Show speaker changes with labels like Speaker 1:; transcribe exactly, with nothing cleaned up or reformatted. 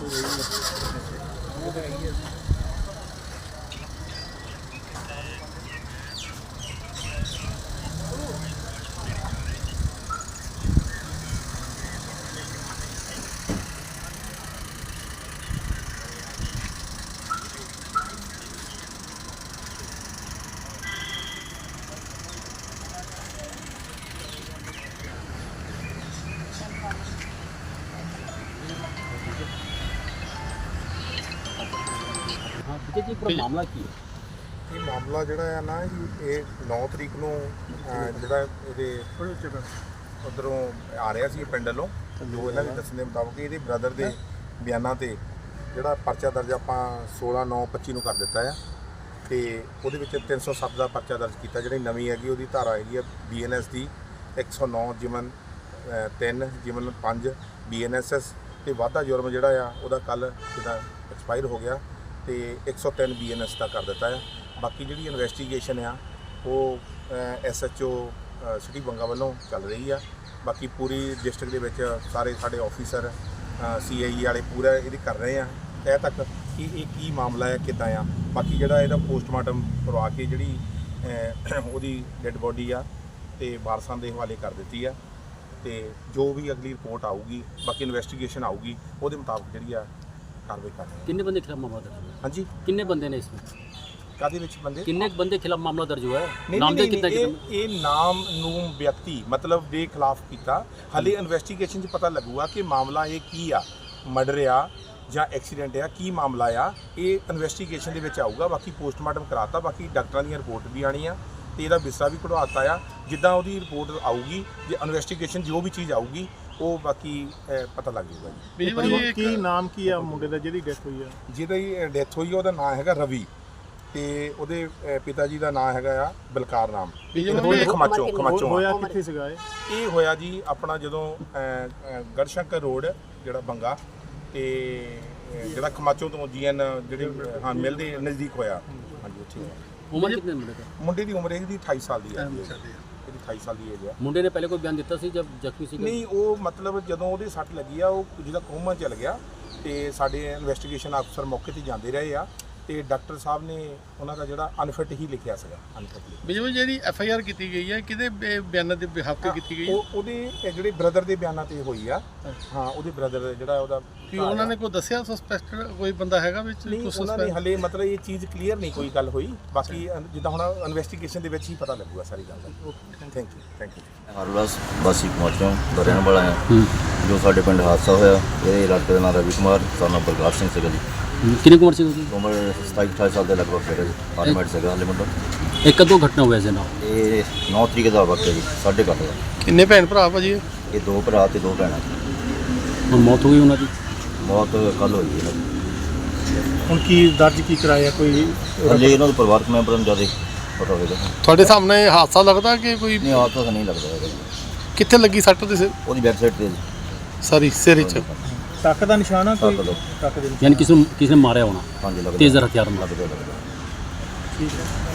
Speaker 1: ਜੀ ਪੂਰਾ ਮਾਮਲਾ ਕੀ ਹੈ?
Speaker 2: ਇਹ ਮਾਮਲਾ ਜਿਹੜਾ ਆ ਨਾ ਜੀ ਇਹ ਨੌ ਤਰੀਕ ਨੂੰ ਜਿਹੜਾ ਇਹਦੇ ਉੱਧਰੋਂ ਆ ਰਿਹਾ ਸੀ ਪਿੰਡ ਵੱਲੋਂ, ਜੋ ਇਹਨਾਂ ਦੇ ਦੱਸਣ ਦੇ ਮੁਤਾਬਕ ਇਹਦੇ ਬ੍ਰਦਰ ਦੇ ਬਿਆਨਾਂ ਤੇ ਜਿਹੜਾ ਪਰਚਾ ਦਰਜ ਆਪਾਂ ਸੋਲਾਂ ਨੌ ਪੱਚੀ ਨੂੰ ਕਰ ਦਿੱਤਾ ਆ ਤੇ ਉਹਦੇ ਵਿੱਚ ਤਿੰਨ ਸੌ ਸੱਤ ਦਾ ਪਰਚਾ ਦਰਜ ਕੀਤਾ। ਜਿਹੜੀ ਨਵੀਂ ਹੈਗੀ ਉਹਦੀ ਧਾਰਾ ਹੈਗੀ ਆ ਬੀ ਐਨ ਐਸ ਦੀ ਇੱਕ ਸੌ ਨੌ ਜਿਮਨ ਤਿੰਨ ਜਿਮਨ ਪੰਜ ਬੀ ਐਨ ਐਸ ਐਸ ਤੇ ਵਾਧਾ ਜੁਰਮ ਜਿਹੜਾ ਆ ਉਹਦਾ ਕੱਲ੍ਹ ਜਿਹਦਾ ਐਕਸਪਾਇਰ ਹੋ ਗਿਆ ਤੇ ਇੱਕ ਸੌ ਤਿੰਨ ਬੀ ਐਨ ਐਸ ਦਾ ਕਰ ਦਿੱਤਾ ਆ। ਬਾਕੀ ਜਿਹੜੀ ਇਨਵੈਸਟੀਗੇਸ਼ਨ ਆ ਉਹ S H O city Banga ਵੱਲੋਂ ਚੱਲ ਰਹੀ ਆ। ਬਾਕੀ ਪੂਰੀ ਡਿਸਟ੍ਰਿਕਟ ਦੇ ਵਿੱਚ ਸਾਰੇ ਸਾਡੇ ਆਫੀਸਰ ਸੀ ਆਈ ਈ ਵਾਲੇ ਪੂਰਾ ਇਹਦੀ ਕਰ ਰਹੇ ਆ ਤਹਿ ਤੱਕ ਕਿ ਇਹ ਕੀ ਮਾਮਲਾ ਹੈ ਕਿੱਦਾਂ ਆ। ਬਾਕੀ ਜਿਹੜਾ ਇਹਦਾ ਪੋਸਟਮਾਰਟਮ ਕਰਵਾ ਕੇ ਜਿਹੜੀ ਉਹਦੀ ਡੈੱਡ ਬੋਡੀ ਆ ਤੇ ਵਾਰਸਾਂ ਦੇ ਹਵਾਲੇ ਕਰ ਦਿੱਤੀ ਆ ਤੇ ਜੋ ਵੀ ਅਗਲੀ ਰਿਪੋਰਟ ਆਊਗੀ ਬਾਕੀ ਇਨਵੈਸਟੀਗੇਸ਼ਨ ਆਊਗੀ ਉਹਦੇ ਮੁਤਾਬਕ ਜਿਹੜੀ ਆ कार्रवाई कर रहे हैं।
Speaker 1: कितने बंदे खिलाफ मामला दर्ज हुआ?
Speaker 2: हाँ जी,
Speaker 1: कितने बंदे ने इसमें
Speaker 2: कादे विच बंदे
Speaker 1: कितने बंदे खिलाफ मामला दर्ज हुआ है?
Speaker 2: नहीं,
Speaker 1: नाम
Speaker 2: नहीं,
Speaker 1: दे कितना
Speaker 2: नहीं, ये, ये नाम नूम व्यक्ति मतलब दे खिलाफ किया हाले इन्वेस्टिगेशन च पता लगूगा कि मामला ये की आ मर्डर आ ਜਾਂ ਐਕਸੀਡੈਂਟ ਆ ਕੀ ਮਾਮਲਾ ਆ ਇਹ ਇਨਵੈਸਟੀਗੇਸ਼ਨ ਦੇ ਵਿੱਚ ਆਊਗਾ। ਬਾਕੀ ਪੋਸਟਮਾਰਟਮ ਕਰਾਤਾ, ਬਾਕੀ ਡਾਕਟਰਾਂ ਦੀ ਰਿਪੋਰਟ ਵੀ ਆਣੀ ਆ ਤੇ ਇਹਦਾ ਵਿਸਰਾ ਵੀ ਕਢਵਾਤਾ ਆ। ਜਿੱਦਾਂ ਉਹਦੀ ਰਿਪੋਰਟ ਆਊਗੀ ਜੇ ਇਨਵੈਸਟੀਗੇਸ਼ਨ ਜੋ ਵੀ ਚੀਜ਼ ਆਊਗੀ ਉਹ ਬਾਕੀ ਪਤਾ ਲੱਗ ਜਾਊਗਾ ਜੀ।
Speaker 3: ਕੀ ਨਾਮ ਕੀ ਆ ਮੁੰਡੇ ਦਾ ਜਿਹਦੀ ਡੈਥ ਹੋਈ ਆ?
Speaker 2: ਜਿਹਦੀ ਡੈਥ ਹੋਈ ਉਹਦਾ ਨਾਮ ਹੈਗਾ ਰਵੀ ਤੇ ਉਹਦੇ ਪਿਤਾ ਜੀ ਦਾ ਨਾਮ ਹੈਗਾ ਆ ਬਲਕਾਰ ਨਾਮ ਖਮਾਚੋ ਖਮਾਚੋ।
Speaker 3: ਹੋਇਆ ਕਿੱਥੇ ਸੀਗਾ ਇਹ?
Speaker 2: ਇਹ ਹੋਇਆ ਜੀ ਆਪਣਾ ਜਦੋਂ ਗੜਸ਼ੰਕਰ ਰੋਡ ਜਿਹੜਾ ਬੰਗਾ ਤੇ ਜਿਹੜਾ ਖਮਾਚੋ ਤੋਂ ਜੀ ਐਨ ਜਿਹੜੇ ਹਾਂ ਮਿਲਦੇ ਨਜ਼ਦੀਕ ਹੋਇਆ। ਹਾਂਜੀ ਉੱਥੇ
Speaker 1: ਉਮਰ ਕਿੰਨੇ ਮੁੰਡੇ ਦਾ?
Speaker 2: ਮੁੰਡੇ ਦੀ ਉਮਰ ਇਹਦੀ ਅਠਾਈ ਸਾਲ ਦੀ ਹੈ। ਇਹਦੀ ਅਠਾਈ ਸਾਲ ਦੀ ਏਜ ਆ।
Speaker 1: ਮੁੰਡੇ ਨੇ ਪਹਿਲੇ ਕੋਈ ਬਿਆਨ ਦਿੱਤਾ ਸੀ ਜਦ ਜ਼ਖਮੀ ਸੀ?
Speaker 2: ਨਹੀਂ, ਉਹ ਮਤਲਬ ਜਦੋਂ ਉਹਦੇ ਸੱਟ ਲੱਗੀ ਆ ਉਹ ਜਿਹਦਾ ਕੋਮਾ ਚਲ ਗਿਆ ਤੇ ਸਾਡੇ ਇਨਵੈਸਟੀਗੇਸ਼ਨ ਅਫਸਰ ਮੌਕੇ ਤੇ ਜਾਂਦੇ ਰਹੇ ਆ ਤੇ ਡਾਕਟਰ ਸਾਹਿਬ ਨੇ ਉਹਨਾਂ ਦਾ ਜਿਹੜਾ ਅਨਫਿਟ ਹੀ ਲਿਖਿਆ ਸੀਗਾ। ਅਨਫਿਟ
Speaker 3: ਬਿਜੂ ਜਿਹੜੀ ਐਫ ਆਈ ਆਰ ਕੀਤੀ ਗਈ ਹੈ ਕਿਹਦੇ ਬਿਆਨਾਂ ਦੇ ਬਿਹਾਫ ਤੇ ਕੀਤੀ ਗਈ ਹੈ?
Speaker 2: ਉਹ ਉਹਦੇ ਜਿਹੜੇ ਬ੍ਰਦਰ ਦੇ ਬਿਆਨਾਂ ਤੇ ਹੋਈ ਆ। ਹਾਂ, ਉਹਦੇ ਬ੍ਰਦਰ ਜਿਹੜਾ ਉਹਦਾ
Speaker 3: ਕੀ ਉਹਨਾਂ ਨੇ ਕੋਈ ਦੱਸਿਆ ਸਸਪੈਕਟਡ ਕੋਈ ਬੰਦਾ ਹੈਗਾ ਵਿੱਚ?
Speaker 2: ਨਹੀਂ, ਉਹਨਾਂ ਨੇ ਹਲੇ ਮਤਲਬ ਇਹ ਚੀਜ਼ ਕਲੀਅਰ ਨਹੀਂ ਕੋਈ ਗੱਲ ਹੋਈ। ਬਾਕੀ ਜਿੱਦਾਂ ਹੁਣ ਇਨਵੈਸਟੀਗੇਸ਼ਨ ਦੇ ਵਿੱਚ ਹੀ ਪਤਾ ਲੱਗੂਗਾ ਸਾਰੀ ਗੱਲ ਦਾ। Thank you thank you
Speaker 4: Harvilas ਵਾਸੀ ਪਹੁੰਚੋਂ ਦਾ ਰਹਿਣ ਵਾਲਾ ਹਾਂ। ਜੋ ਸਾਡੇ ਪਿੰਡ ਹਾਦਸਾ ਹੋਇਆ ਇਹ ਇਲਾਕੇ ਦਾ ਨਾਮ ਰਵੀ ਕੁਮਾਰ ਸਾਨੂੰ ਪ੍ਰਕਾਸ਼ ਸਿੰਘ ਸੀਗਾ ਜੀ।
Speaker 1: ਕਿੰਨੀ ਕੁ ਉਮਰ ਸੀ ਉਹਦੀ?
Speaker 4: ਉਮਰ ਸਤਾਈ ਅਠਾਈ ਸਾਲ ਦੇ ਲਗਭਗ ਸੀਗਾ ਜੀ। ਫਾਰਮੈਟ ਸੀਗਾ ਹਾਲੇ ਮੁੰਡਾ।
Speaker 1: ਇਹ ਕਦੋਂ ਘਟਨਾ ਹੋਇਆ ਸੀ ਨਾ?
Speaker 4: ਇਹ ਨੌ ਤਰੀਕ ਦਾ ਵਕਤ ਹੈ ਜੀ ਸਾਢੇ ਕੁ ਅੱਠ ਦਾ।
Speaker 3: ਕਿੰਨੇ ਭੈਣ ਭਰਾ ਭਾਜੀ?
Speaker 4: ਇਹ ਦੋ ਭਰਾ ਤੇ ਦੋ ਭੈਣਾਂ।
Speaker 1: ਹੁਣ ਮੌਤ ਹੋ ਗਈ ਉਹਨਾਂ ਦੀ?
Speaker 4: ਮੌਤ ਕੱਲ੍ਹ ਹੋਈ ਇਹਨਾਂ ਦੀ।
Speaker 3: ਹੁਣ ਕੀ ਦਰਜ ਕੀ ਕਰਾਇਆ ਕੋਈ?
Speaker 4: ਹਾਲੇ ਇਹਨਾਂ ਦੇ ਪਰਿਵਾਰਕ ਮੈਂਬਰਾਂ ਨੂੰ ਜ਼ਿਆਦਾ ਪਤਾ ਹੋਵੇਗਾ।
Speaker 3: ਤੁਹਾਡੇ ਸਾਹਮਣੇ ਹਾਦਸਾ ਲੱਗਦਾ ਕਿ ਕੋਈ?
Speaker 4: ਨਹੀਂ, ਹਾਦਸਾ ਤਾਂ ਨਹੀਂ ਲੱਗਦਾ ਹੈਗਾ।
Speaker 3: ਕਿੱਥੇ ਲੱਗੀ ਸੱਟ ਦੇ ਸਿਰ?
Speaker 4: ਉਹਦੀ ਵੈਬਸਾਈਟ ਤੇ ਜੀ
Speaker 3: ਸਾਰੀ ਸਿਰ ਵਿੱਚ ਟੱਕ ਦਾ ਨਿਸ਼ਾਨ ਆ ਕੋਈ?
Speaker 4: ਟੱਕ ਦਾ।
Speaker 3: ਟੱਕ ਦੇ
Speaker 1: ਯਾਨੀ ਕਿਸੇ ਨੂੰ ਕਿਸੇ ਨੇ ਮਾਰਿਆ ਹੋਣਾ
Speaker 4: ਹਾਂਜੀ ਲੱਗਦਾ।
Speaker 1: ਤੇਜ਼ਰ ਹਥਿਆਰ ਨਾਲ।
Speaker 4: ਲੱਗਦਾ ਲੱਗਦਾ।
Speaker 3: ਠੀਕ ਹੈ।